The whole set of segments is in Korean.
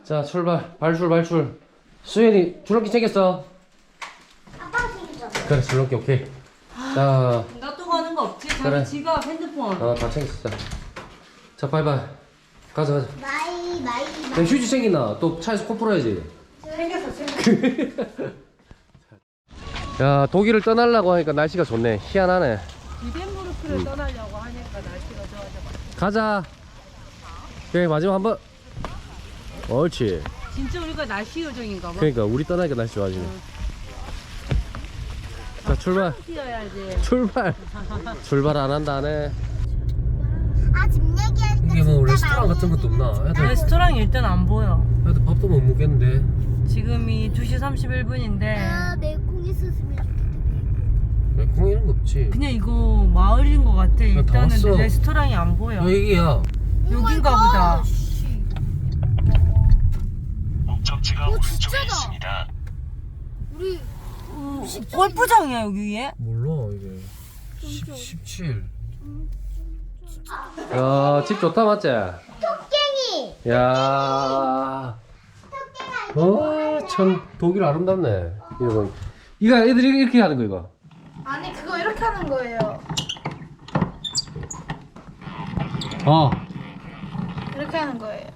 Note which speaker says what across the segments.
Speaker 1: 자, 출발. 발출. 수현이 줄넘기 챙겼어?
Speaker 2: 아빠가 챙겼잖아.
Speaker 1: 그래, 줄넘기 오케이. 자,
Speaker 3: 놔두고 가는 거 없지? 자기
Speaker 1: 그래.
Speaker 3: 지갑, 핸드폰.
Speaker 1: 다 챙겼어. 자, 바이바이. 가자.
Speaker 2: 마이.
Speaker 1: 야, 휴지 챙기나? 또 차에서 코 풀어야지.
Speaker 3: 챙겼어.
Speaker 1: 야, 독일을 떠나려고 하니까 날씨가 좋네. 희한하네.
Speaker 3: 비덴부르크를 떠나려고 하니까 날씨가 좋아져.
Speaker 1: 가자. 오케이, 마지막 한 번. 옳지.
Speaker 3: 진짜 우리가 날씨 요정인가 봐.
Speaker 1: 그러니까 우리 떠나니까 날씨 좋아지네. 자, 출발.
Speaker 3: 뛰어야지.
Speaker 1: 출발 안 한다 하네.
Speaker 2: 아, 집 얘기하니까
Speaker 1: 이게 뭐
Speaker 2: 진짜
Speaker 1: 레스토랑 같은 것도 없나? 애들
Speaker 3: 레스토랑이 일단 안 보여.
Speaker 1: 밥도 못 먹겠는데.
Speaker 3: 지금이 2시 31분인데
Speaker 2: 아, 매콩 있었으면 좋겠다.
Speaker 1: 콩 이런 거 없지.
Speaker 3: 그냥 이거 마을인 것 같아.
Speaker 1: 다
Speaker 3: 일단은
Speaker 1: 왔어.
Speaker 3: 레스토랑이 안 보여.
Speaker 1: 여기야.
Speaker 3: 여긴가 보다.
Speaker 4: 목적지가 오른쪽에
Speaker 2: 진짜다.
Speaker 4: 있습니다.
Speaker 2: 우리
Speaker 3: 골프장이야 여기에?
Speaker 1: 몰라 이게. 17. 야, 집 좋다 맞지?
Speaker 2: 토깽이.
Speaker 1: 야. 참 독일 아름답네. 이거 애들이 이렇게 하는 거 이거.
Speaker 5: 아니 그거 이렇게 하는 거예요. 이렇게 하는 거예요.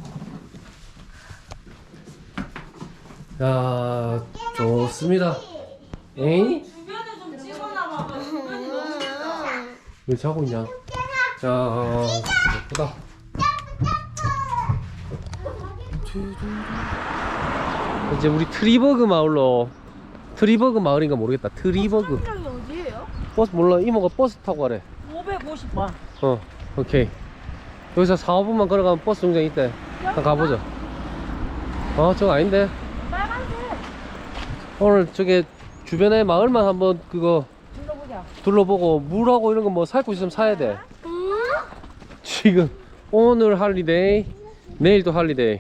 Speaker 1: 야, 좋습니다. 에이?
Speaker 3: 주변에 좀 찍어놔봐.
Speaker 1: 왜 자고 있냐? 자, 예쁘다. 이제 우리 트리버그 마을인가 모르겠다. 트리버그.
Speaker 5: 여기 어디예요?
Speaker 1: 버스 몰라. 이모가 버스 타고 가래.
Speaker 3: 550원.
Speaker 1: 오케이. 여기서 4, 5분만 걸어가면 버스 정류장 있대. 한번 가보자. 저거 아닌데.
Speaker 3: 빨간색.
Speaker 1: 오늘 저게 주변에 마을만 한번 그거
Speaker 3: 둘러보자.
Speaker 1: 둘러보고 물하고 이런 거 뭐 살 거 있으면 사야 돼. 지금 오늘 할리데이, 내일도 할리데이.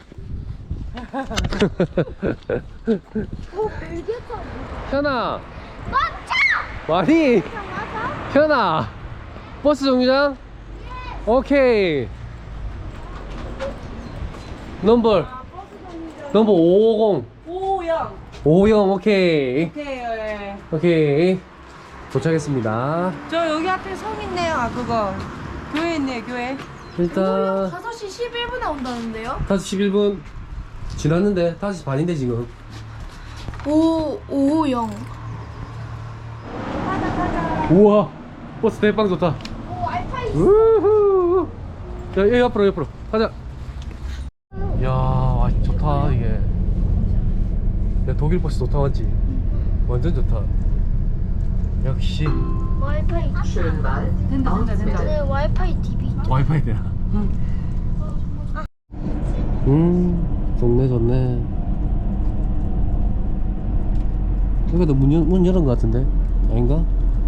Speaker 1: 현아. 많이. 현아. 버스 정류장? 오케이. 넘버 550.
Speaker 3: 오영.
Speaker 1: 50 오케이.
Speaker 3: 오케이.
Speaker 1: 도착했습니다.
Speaker 3: 저 여기 앞에 성 있네요. 그거 교회 있네요. 교회.
Speaker 1: 일단
Speaker 5: 5시 11분에 온다는데요?
Speaker 1: 5시 11분 지났는데 5시 반인데 지금.
Speaker 5: 550.
Speaker 1: 우와, 버스 대빵 좋다.
Speaker 5: 오, 와이파이.
Speaker 1: 우후. 야, 여기 옆으로 가자. 야, 와, 좋다 이게. 야, 독일 버스 좋다 맞지? 완전 좋다. 역시
Speaker 5: 와이파이.
Speaker 3: 된다.
Speaker 5: 네, 와이파이 TV 있죠?
Speaker 1: 와이파이 되나? 좋네. 여기도 문 열은 것 같은데? 아닌가?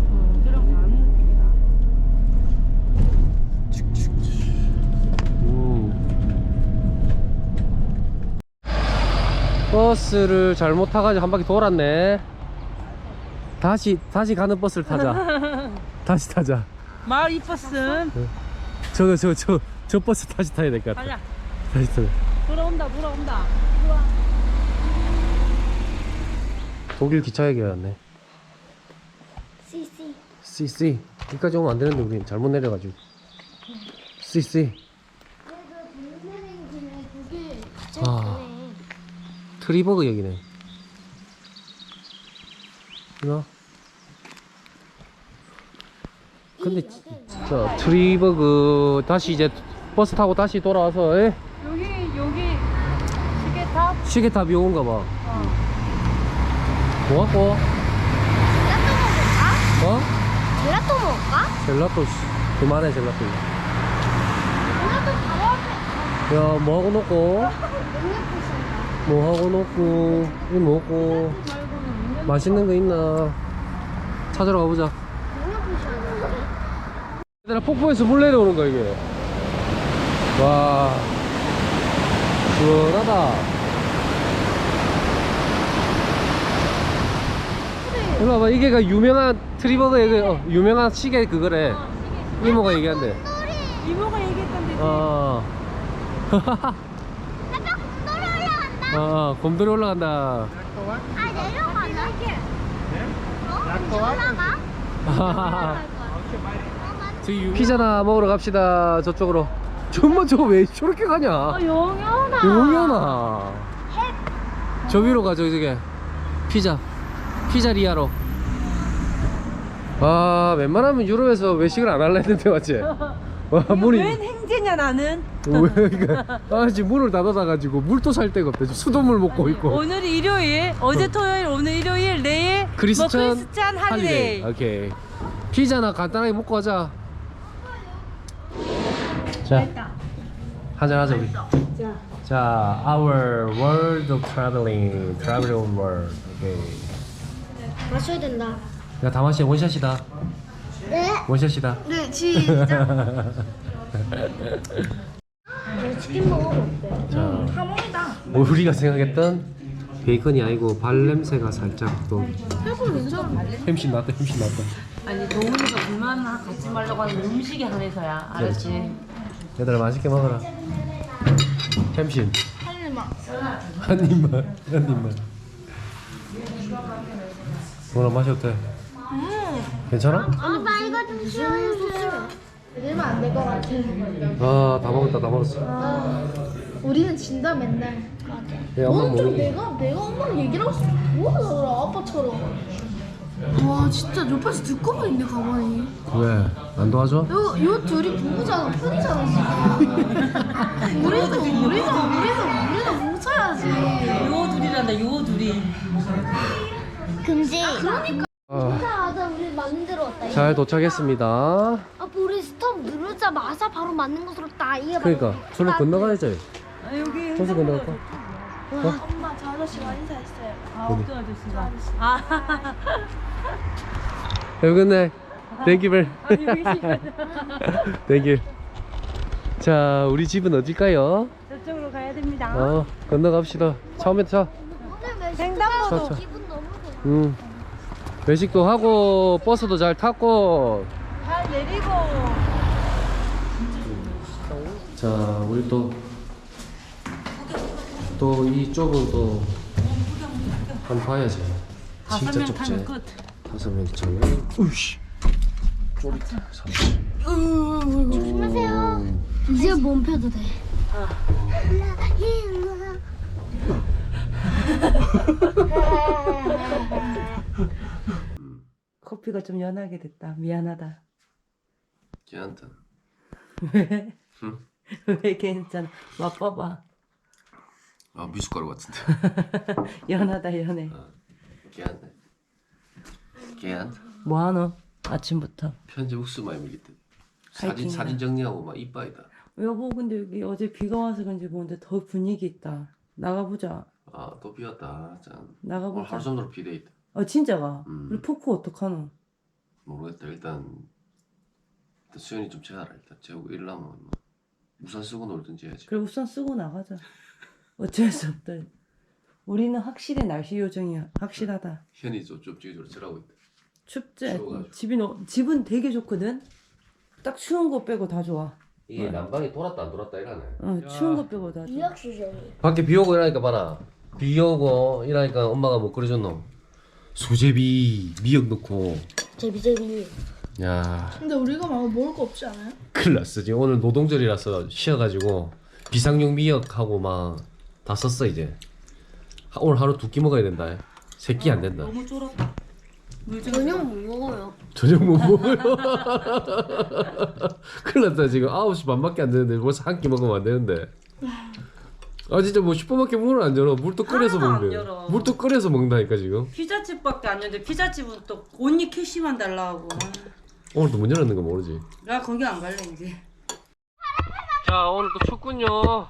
Speaker 1: 버스를 잘못 타가지고 한 바퀴 돌았네. 다시 가는 버스를 타자. 다시 타자.
Speaker 3: 마을 이 버스.
Speaker 1: 저 버스 다시 타야 될 것 같아.
Speaker 3: 가자.
Speaker 1: 다시 타.
Speaker 3: 돌아온다.
Speaker 1: 독일 기차 얘기였네. CC. 여기까지 오면 안 되는데 우리 잘못 내려가지고. CC. 트리버그 여기네. 이거. 근데 진짜 트리버그 다시 이제 버스 타고 다시 돌아와서
Speaker 3: 여기 시계탑.
Speaker 1: 시계탑이 오는가 봐. 뭐 갖고?
Speaker 2: 젤라또 먹을까?
Speaker 1: 젤라또 그만해 젤라또.
Speaker 2: 젤라또 바로 앞에.
Speaker 1: 야, 뭐 하고 놓고? 뭐 하고 놓고? 이거 먹고 맛있는 거 있나? 찾으러 가보자. 얘들아, 폭포에서 물 내려오는 거야 이게. 와, 시원하다. 일로 와봐. 이게가 유명한 트리버그의 유명한 시계 그거래. 이모가 얘기한대.
Speaker 3: 이모가 얘기했던데.
Speaker 1: 아.
Speaker 2: 놀아요.
Speaker 1: 곰돌이 올라간다.
Speaker 2: 아 내려가나? 올라가?
Speaker 1: 피자나 먹으러 갑시다. 저쪽으로. 정말 저거 왜 저렇게 가냐?
Speaker 2: 영현아.
Speaker 1: 용연아. 저 위로 가죠, 저게. 피자리아로. 아, 웬만하면 유럽에서 외식을 안 할라 했는데, 맞지? 와, 문이.
Speaker 3: 웬 행제냐 나는?
Speaker 1: 왜, 그러니까. 아, 지금 문을 닫아놔가지고 물도 살 데가 없대. 지금 수돗물 먹고 있고.
Speaker 3: 오늘 일요일, 어제 토요일, 오늘 일요일, 내일
Speaker 1: 크리스찬,
Speaker 3: 뭐 크리스찬 할리데이.
Speaker 1: 오케이. 피자나 간단하게 먹고 가자. 자, 한잔 하자 우리. 자, our world of traveling world. 오케이.
Speaker 2: 마셔야 된다.
Speaker 1: 야, 다 마시야. 원샷이다.
Speaker 2: 네.
Speaker 1: 원샷이다.
Speaker 5: 네, 시작.
Speaker 2: 치킨 먹으면 어때?
Speaker 1: 자,
Speaker 5: 하몽이다.
Speaker 1: 우리가 생각했던 베이컨이 아니고 발냄새가 살짝 또.
Speaker 5: 해골 괜찮아.
Speaker 1: 햄신 나왔다.
Speaker 3: 아니 도훈이가 불만 갖지 말라고 하는 음식에 한해서야. 알았지?
Speaker 1: 얘들아 맛있게 먹어라. 햄신.
Speaker 5: 한 입만.
Speaker 1: 한 입만. 뭐라 맛이 어때? 괜찮아?
Speaker 2: 엄마 이거 좀 시원해주세요.
Speaker 5: 이러면 안 될 것 같아.
Speaker 1: 아, 다 먹었어.
Speaker 5: 우리는 진다 맨날.
Speaker 1: 얘 엄마
Speaker 5: 너는 좀
Speaker 1: 먹는
Speaker 5: 내가 엄마랑 얘기를 하고 뭐하더라 아빠처럼. 와 진짜 옆에서 듣고만 있네 가만히.
Speaker 1: 왜? 안 도와줘?
Speaker 5: 요 둘이 부부잖아 편이잖아 지금. 우리도 뭉쳐야지.
Speaker 3: 요 둘이란다. 요 둘이.
Speaker 2: 금지.
Speaker 5: 그러니까.
Speaker 2: 맞아 우리 만들었다.
Speaker 1: 잘 도착했습니다.
Speaker 2: 아빠 우리 스톱 누르자마자 바로 맞는 것으로 딱 이게
Speaker 1: 그러니까 저를 건너가야지.
Speaker 3: 아, 여기
Speaker 1: 저서 건너갈까?
Speaker 5: 엄마 저 아저씨가 인사했어요.
Speaker 3: 아, 어떤 아저씨가? 아,
Speaker 1: Have a good night. Thank you very. Thank you. 자, 우리 집은 어딜까요?
Speaker 3: 저쪽으로 가야 됩니다.
Speaker 1: 건너갑시다. 처음에 차.
Speaker 2: 오늘 외식
Speaker 3: 횡단보도.
Speaker 1: 차.
Speaker 2: 기분 너무 좋아.
Speaker 1: 외식도 하고 버스도 잘 탔고.
Speaker 3: 잘 내리고.
Speaker 1: 자, 우리 또 이쪽은 또 한번 봐야지.
Speaker 3: 다섯
Speaker 1: 진짜
Speaker 3: 명
Speaker 1: 좁지.
Speaker 3: 타면 끝.
Speaker 1: 5명 차면. 우씨. 쫄있다.
Speaker 2: 조심하세요. 이제 몸 펴도 돼.
Speaker 3: 커피가 좀 연하게 됐다. 미안하다.
Speaker 1: 괜찮다.
Speaker 3: 왜? 왜 괜찮아? 맛봐봐.
Speaker 1: 아, 미숫가루 같은데.
Speaker 3: 연하다 연해.
Speaker 1: 괜찮네. 괜찮다.
Speaker 3: 뭐하노? 아침부터.
Speaker 1: 편집 욱수 많이 밀리대.
Speaker 3: 하이킹이다.
Speaker 1: 사진 정리하고 막 이빠이다.
Speaker 3: 여보 근데 여기 어제 비가 와서 그런지 모르는데 더 분위기 있다. 나가보자.
Speaker 1: 아, 또 비왔다. 짠. 오늘
Speaker 3: 나가보자.
Speaker 1: 하루 종일 비돼 있다.
Speaker 3: 진짜가?
Speaker 1: 음.
Speaker 3: 우리 포크 어떡하노?
Speaker 1: 모르겠다. 일단 수현이 좀 재워라. 일단 재우고 일하면 뭐 우산 쓰고 놀든지 해야지.
Speaker 3: 그래 우산 쓰고 나가자. 어쩔 수 없다. 우리는 확실히 날씨 요정이야. 확실하다.
Speaker 1: 현이 좀 찍어주러 저라고 있다.
Speaker 3: 춥지?
Speaker 1: 추워가지고.
Speaker 3: 집은 되게 좋거든? 딱 추운 거 빼고 다 좋아.
Speaker 1: 이게 난방이 돌았다 안 돌았다 이러네.
Speaker 3: 추운 거 빼고 다 좋아.
Speaker 2: 유학 수준이.
Speaker 1: 밖에 비 오고 이러니까 봐라. 비 오고 이러니까 엄마가 뭐 끓여줬노? 수제비 미역 넣고.
Speaker 2: 제비.
Speaker 1: 야,
Speaker 5: 근데 우리가 막 먹을 거 없지 않아요?
Speaker 1: 큰일 났어. 지금 오늘 노동절이라서 쉬어가지고 비상용 미역하고 막 다 썼어 이제. 오늘 하루 2끼 먹어야 된다. 3끼 안 된다.
Speaker 3: 너무 쫄았다.
Speaker 2: 저녁 못 먹어요.
Speaker 1: 저녁 못 먹어요. 큰일 났다. 지금 9시 반밖에 안 되는데 벌써 한 끼 먹으면 안 되는데. 아 진짜 뭐 슈퍼마켓 문을 안 열어. 물도 끓여서
Speaker 3: 하나도 안
Speaker 1: 먹는데.
Speaker 3: 열어.
Speaker 1: 물도 끓여서 먹는다니까 지금.
Speaker 3: 피자집밖에 안 열는데 피자집은 또 언니 캐시만 달라고.
Speaker 1: 오늘도 문 열었는 거 모르지.
Speaker 3: 나 거기 안 갈래 이제.
Speaker 1: 자, 오늘 또 춥군요.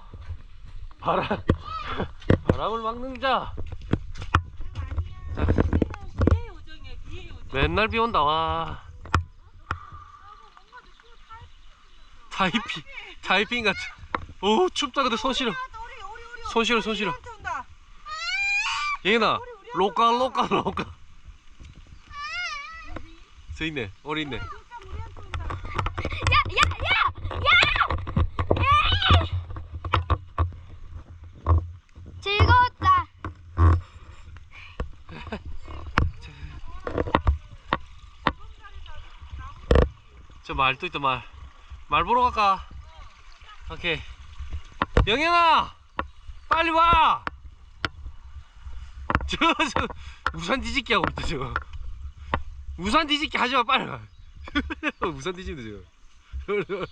Speaker 1: 바람을 막는 자. 맨날 비 온다. 와. 타이핑 같아. 오, 춥다. 근데 손 시려. 얘나 로까. 저 있네. 오리 있네.
Speaker 2: 즐거웠다.
Speaker 1: 말 또 있다 말 보러 갈까? 오케이. 영현아 빨리 와. 저 우산 뒤집기 하고 있다 저. 우산 뒤집기 하지마 빨리 와. 우산 뒤집는다 지금.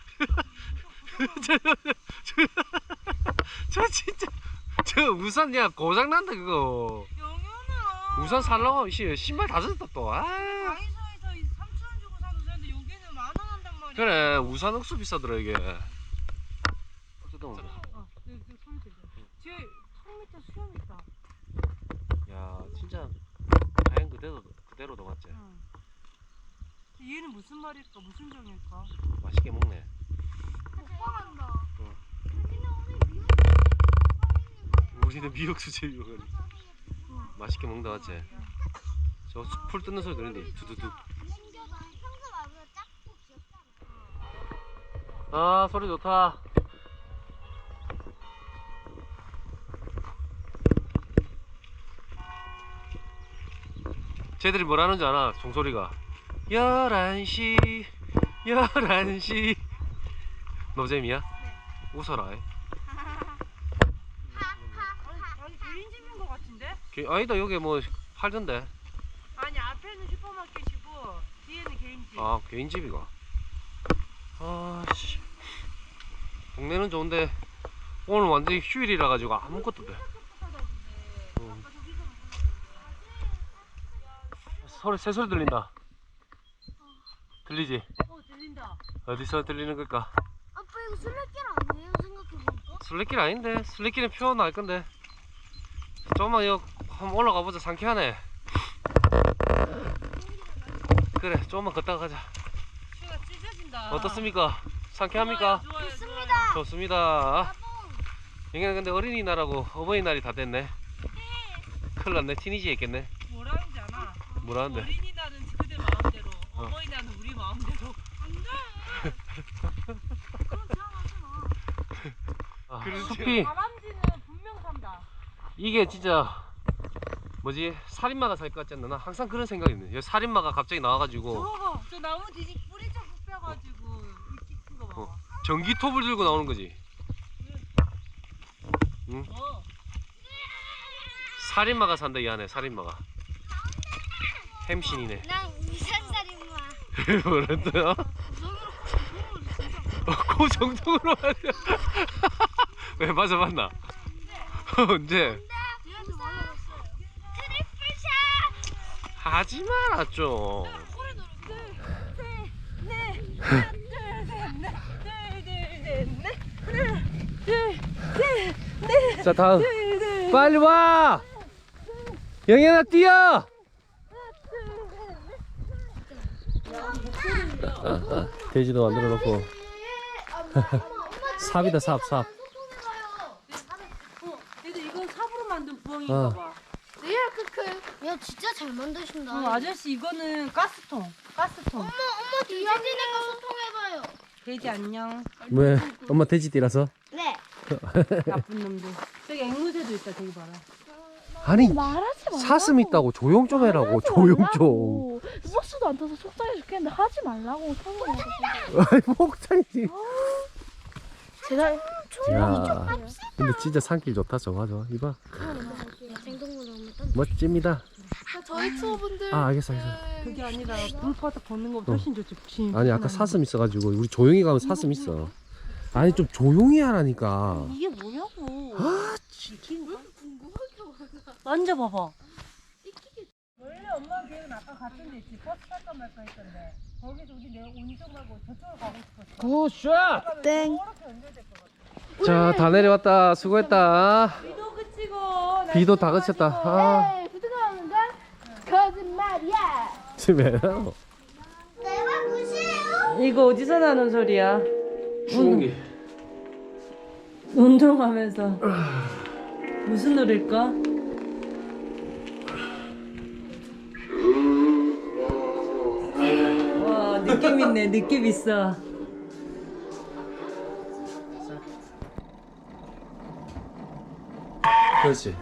Speaker 1: 저 진짜 저 우산 야 고장난다 그거.
Speaker 6: 영현아.
Speaker 1: 우산 살라고 신발 다 젖었다 또. 아.
Speaker 6: 다이소에서 3,000원 주고 산 우산인데 여기는 10,000원 한단 말이야.
Speaker 1: 그래 우산 억수 비싸더라 이게. 어쨌든
Speaker 6: 소리 들려. 뒤에 턱 밑에 수염 있다.
Speaker 1: 야 진짜 자연 그대로도 맞지.
Speaker 6: 응. 얘는 무슨 말일까? 무슨 정일까?
Speaker 1: 맛있게 먹네.
Speaker 5: 오빠란다.
Speaker 1: 우리는 미역 수제 미역을 맛있게 먹는다 맞지? 저 풀 뜯는 소리 들리는데 두두두. 아 소리 좋다. 쟤들이 뭐라는 줄 알아? 종소리가 11시 11시 노잼이야? 네. 웃어라.
Speaker 6: 아니 개인집인 것 같은데?
Speaker 1: 아니다 여기 뭐 팔던데.
Speaker 6: 아니 앞에는 슈퍼마켓이고 뒤에는 개인집.
Speaker 1: 아 개인집이가. 아씨 동네는 좋은데 오늘 완전히 휴일이라 가지고 아무것도 돼. 새소리 들린다. 들리지?
Speaker 6: 들린다.
Speaker 1: 어디서 들리는 걸까?
Speaker 2: 아빠 이거 술래길 아니에요? 생각해보니까.
Speaker 1: 술래길 아닌데? 술래길은 표현 날 건데. 조금만 여기 한번 올라가 보자. 상쾌하네. 그래 조금만 걷다가 가자.
Speaker 6: 슈가 찢어진다.
Speaker 1: 어떻습니까? 상쾌합니까?
Speaker 6: 좋아요.
Speaker 2: 좋습니다.
Speaker 1: 좋습니다. 여기는 근데 어린이날하고 어버이날이 다 됐네. 큰일 났네. 티니지 했겠네.
Speaker 6: 뭐라는지 아나?
Speaker 1: 뭐라는데?
Speaker 6: 어린이날은 그들 마음대로, 어버이날은 우리 마음대로.
Speaker 1: 아, 숲이
Speaker 6: 다람쥐는 분명 산다.
Speaker 1: 이게 진짜 뭐지? 살인마가 살 것 같지 않나? 나 항상 그런 생각이 있네. 여기 살인마가 갑자기 나와가지고
Speaker 6: 저거 저 나무 뒤집 뿌리 좀 뽑혀가지고 이렇게 큰 거 봐.
Speaker 1: 전기톱을 들고 나오는 거지. 응? 살인마가 산다 이 안에. 살인마가 햄신이네.
Speaker 2: 난 이산살인마.
Speaker 1: 뭐랬어요? 그 정도로 하냐? 왜 맞아 맞나? 언제?
Speaker 2: 트리플샷.
Speaker 1: 하지 마라 좀. 자 다음 빨리 와. 영현아 뛰어. 돼지도 만들어 놓고. 삽이다 삽.
Speaker 6: 얘들 이건 삽으로 만든 부엉이인가 봐.
Speaker 2: 리얼 크크. 야 진짜 잘 만드신다.
Speaker 6: 아저씨 이거는 가스통.
Speaker 2: 엄마 돼지네가 소통해봐요.
Speaker 6: 돼지 안녕.
Speaker 1: 왜? 엄마 돼지띠라서?
Speaker 2: 네.
Speaker 6: 나쁜 놈들. 저기 앵무새도 있다. 저기 봐라.
Speaker 1: 아니
Speaker 5: 말하지 말라고.
Speaker 1: 사슴 있다고 조용 좀 해라고. 조용 좀.
Speaker 5: 버스도 안 타서 속상해 죽겠는데 하지 말라고.
Speaker 1: 아이 목장이지.
Speaker 5: 제가
Speaker 1: 야 근데 진짜 산길 좋다. 저거 이봐
Speaker 2: 생동물 너무
Speaker 1: 멋집니다.
Speaker 5: 저희 투어분들
Speaker 1: 아 알겠어.
Speaker 6: 그게 아니라 불바닥 걷는 것보다 훨씬 좋지. 부심.
Speaker 1: 아니 아까 사슴 있어가지고 우리 조용히 가면 사슴 있어. 아니 좀 조용히 하라니까.
Speaker 6: 이게 뭐냐고.
Speaker 1: 아
Speaker 6: 만져봐봐. 원래 엄마 계획은 아까 같은 데 있지. 버스 탈까 말까 했던데. 거기서 우리 내가 운전 말고 저쪽으로 가고 싶었어.
Speaker 1: 굿샷.
Speaker 5: 땡.
Speaker 6: 저렇게 연결될 것 같아.
Speaker 1: 자 다 내려왔다. 수고했다.
Speaker 6: 비도 그치고.
Speaker 1: 비도 다 그쳤다. 아
Speaker 5: 에이 부드러운건 거짓말이야.
Speaker 1: 집에
Speaker 2: 내가 무시해요?
Speaker 3: 이거 어디서 나는 소리야?
Speaker 1: 추운기.
Speaker 3: 운동하면서 무슨 노래일까? 와 느낌 있네. 느낌 있어.
Speaker 1: 그렇지.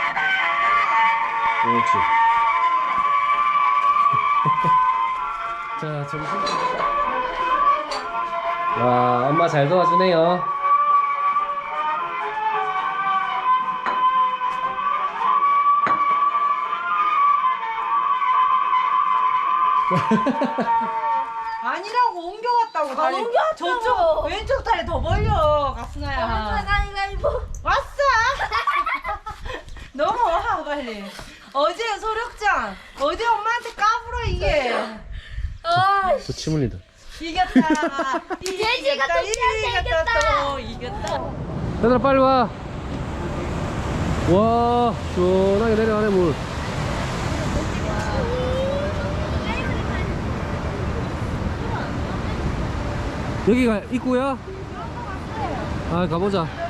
Speaker 1: 그렇지. 자, 점심. 와, 엄마 잘 도와주네요.
Speaker 3: 아니라고 옮겨갔다고. 다리.
Speaker 5: 옮겨왔다고.
Speaker 3: 저쪽 왼쪽 다리 더 벌려 가순아야.
Speaker 5: 가위바위보.
Speaker 3: 왔어. 넘어와 빨리. 어제 소력장 어제 엄마한테 까불어 이게.
Speaker 1: 또 침 흘린다.
Speaker 3: 이겼다.
Speaker 5: 돼지가 또
Speaker 3: 이겼다. 또 이겼다.
Speaker 1: 얘들아 빨리 와. 와, 시원하게 내려가네 물. 여기가 입구야? 아, 가보자.
Speaker 2: 아빠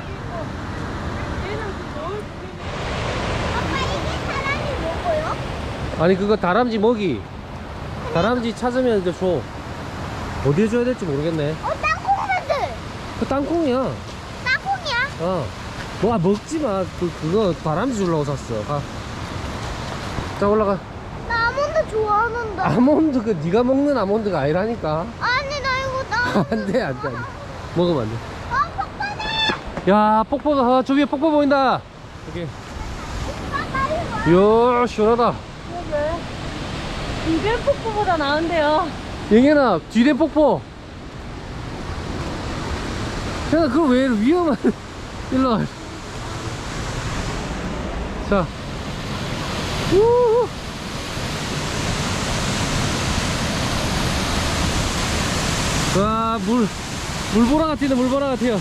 Speaker 2: 이게 사람이 먹어요?
Speaker 1: 아니 그거 다람쥐 먹이. 다람쥐 찾으면 이제 줘. 어디에 줘야 될지 모르겠네.
Speaker 2: 땅콩만들.
Speaker 1: 그 땅콩이야.
Speaker 2: 땅콩이야?
Speaker 1: 어. 뭐 먹지 마. 그거 다람쥐 주려고 샀어. 가. 자 올라가.
Speaker 2: 나 아몬드 좋아하는데.
Speaker 1: 아몬드 그 네가 먹는 아몬드가 아니라니까.
Speaker 2: 아니 나 이거 나.
Speaker 1: 안돼 안돼 안돼. 먹으면 안돼.
Speaker 2: 폭탄해.
Speaker 1: 야 폭포 저 위에 폭포 보인다. 여기. 이야 시원하다.
Speaker 6: 이별 폭포보다 나은데요.
Speaker 1: 영현아 뒤에 폭포. 야 그거 왜 위험한. 일로 와. 자. 우후. 와, 물보라 같은데, 물보라 같아요.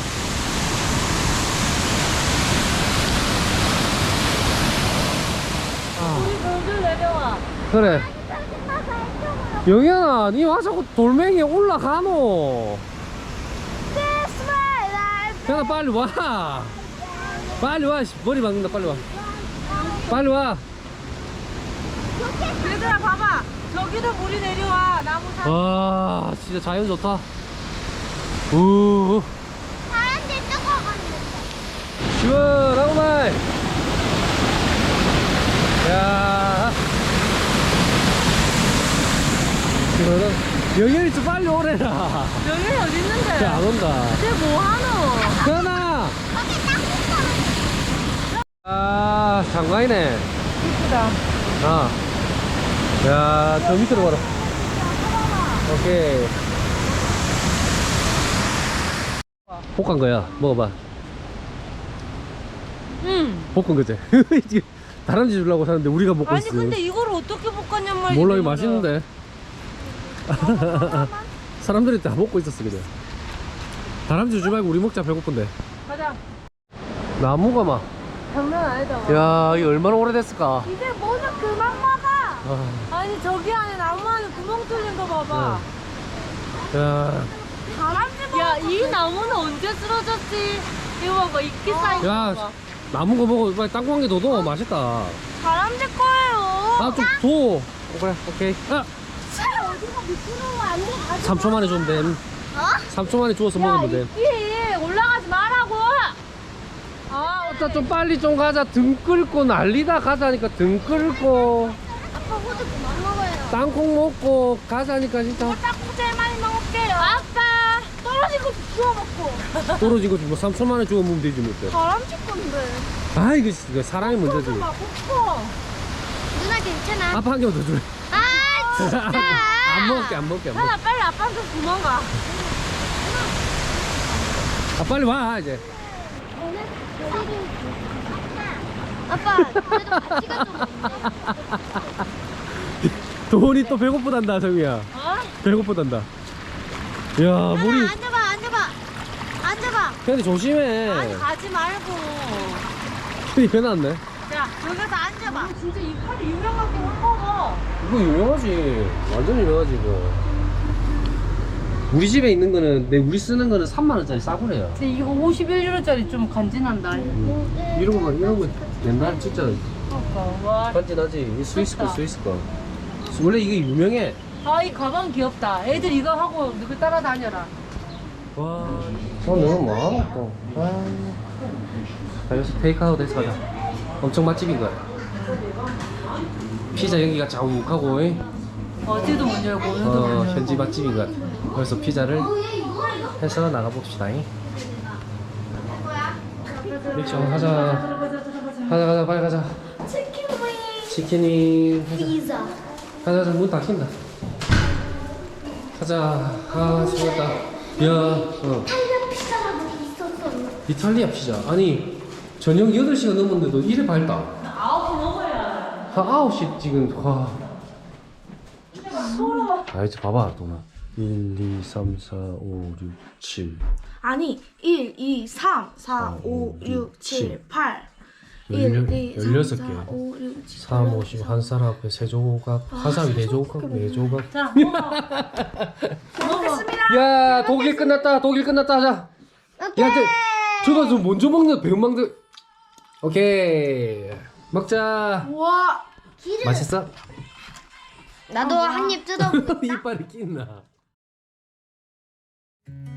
Speaker 6: 우리 모두 내려와.
Speaker 1: 그래. 영현아, 니 와 자꾸 돌멩이에 올라가노. 현아, 빨리 와. 빨리 와. 씨, 머리 박는다, 빨리 와. 빨리 와.
Speaker 3: 얘들아 봐봐. 저기도 물이 내려와. 나무 사.
Speaker 1: 와, 진짜 자연 좋다. 우,
Speaker 2: 사람들 뜨거웠는데.
Speaker 1: 시원하구만. 야. 시원하다. 영현이 좀 빨리 오래라.
Speaker 3: 여기 어디 있는데?
Speaker 1: 야, 안 온다.
Speaker 3: 쟤 뭐하노?
Speaker 1: 현아. 아, 장관이네.
Speaker 3: 이쁘다.
Speaker 1: 아. 야, 저 밑으로 가라. 오케이. 볶은 거야. 먹어봐. 볶은 거지. 이게 다람쥐 주려고 사는데 우리가 먹고
Speaker 3: 아니
Speaker 1: 있어.
Speaker 3: 근데 이걸 어떻게 볶았냔 말이야.
Speaker 1: 몰라, 이거 맛있는데. 사람들이 다 먹고 있었어, 그냥. 다람쥐 주지 말고 우리 먹자, 배고픈데.
Speaker 3: 가자.
Speaker 1: 나무가 막.
Speaker 3: 장난 아니다.
Speaker 1: 야, 이거 얼마나 오래됐을까?
Speaker 3: 이제 뭐는 그만 먹어.
Speaker 1: 아,
Speaker 3: 아니 저기 안에 나무 안에 구멍 뚫린 거 봐봐.
Speaker 1: 야,
Speaker 6: 야, 이 나무는 언제 쓰러졌지? 이거 봐봐, 이끼 쌓인 거
Speaker 1: 야,
Speaker 6: 봐봐.
Speaker 1: 남은 거 먹어. 빨리 땅콩 한 개 더 넣어. 맛있다.
Speaker 2: 사람들 거예요.
Speaker 1: 아, 좀 줘. 그래, 오케이. 아,
Speaker 2: 어디가 미끄러워 안 돼.
Speaker 1: 3초 만에 주면 돼. 3초 만에 주워서 먹으면 돼.
Speaker 6: 이끼 올라가지 말라고.
Speaker 1: 아, 어따 좀 빨리 좀 가자. 등 끌고 난리다 가자니까 등 끌고
Speaker 2: 아빠 호두 그만 먹어요.
Speaker 1: 땅콩 먹고 가자니까 진짜.
Speaker 2: 땅콩 제일 많이 먹을게요.
Speaker 6: 아빠.
Speaker 2: 떨어진 거 주워 먹고.
Speaker 1: 떨어진 거지 뭐 3초 만에 주워 먹으면 되지 뭐.
Speaker 2: 다람쥐 건데.
Speaker 1: 아, 이거 사람이 문제지.
Speaker 2: 누나 괜찮아.
Speaker 1: 아빠 한 개만 더 줄래?
Speaker 2: 아 진짜.
Speaker 1: 안 먹을게 안 먹을게 안 먹을게.
Speaker 6: 하나 빨리 아빠한테 도망가.
Speaker 1: 아, 빨리 와 이제.
Speaker 2: 아빠 그래도 같이 가도
Speaker 1: 돈이 또 배고프단다 정이야.
Speaker 6: 어?
Speaker 1: 배고프단다. 야 물이.
Speaker 2: 앉아봐 앉아봐 앉아봐.
Speaker 1: 근데 조심해.
Speaker 6: 아니 가지 말고.
Speaker 1: 괜히 배났네.
Speaker 6: 야, 여기서 앉아봐. 진짜 이 칼이 유명하게 햄버거.
Speaker 1: 이거 유명하지. 완전 유명하지 이거. 우리 집에 있는 거는 우리 쓰는 거는 3만 원짜리 싸구려요.
Speaker 6: 근데 이거 51유로짜리 좀 간지난다.
Speaker 1: 이런 거 옛날 진짜
Speaker 6: 그러니까 와.
Speaker 1: 간지나지. 이 스위스 거
Speaker 6: 좋다.
Speaker 1: 스위스 거. 원래 이게 유명해.
Speaker 6: 아, 이 가방 귀엽다. 애들 이거 하고 누구 따라다녀라.
Speaker 1: 와, 너무 많았다. 아, 여기서 테이크아웃 해서 가자. 엄청 맛집인 거야. 피자 연기가 자욱하고,
Speaker 3: 어제도 문 열고 오늘도 문 열고.
Speaker 1: 현지 맛집인 것 같아. 그래서 피자를 해서 나가봅시다. 릭션 가자. 가자 빨리 가자.
Speaker 2: 치킨
Speaker 1: 치킨이 가자.
Speaker 2: 피자.
Speaker 1: 가자 문 닫힌다. 가자. 아 수고했다. 야
Speaker 2: 이탈리아 피자라고 있었어.
Speaker 1: 이탈리아 피자. 아니 저녁 8시가 넘었는데도 이래 밝다.
Speaker 3: 9시 넘어야.
Speaker 1: 한 9시 지금 와. 아 이제 봐봐 동아. 1, 2, 3, 4, 5, 6, 7.
Speaker 5: 아니 1, 2, 3, 4, 5, 6, 7, 8 1, 2, 3,
Speaker 1: 16개.
Speaker 5: 4, 5, 6, 7,
Speaker 1: 3, 50, 한 사람 앞에 3조각, 한 사람이 4조각, 4조각.
Speaker 3: 자, 먹어.
Speaker 5: 먹겠습니다.
Speaker 1: 야, 독일 끝났다, 자. 야, 저거 좀 먼저 먹는 배은망들. 오케이, 먹자.
Speaker 5: 우와
Speaker 1: 맛있어?
Speaker 2: 나도 한 입 뜯어.
Speaker 1: 이빨이 낀나.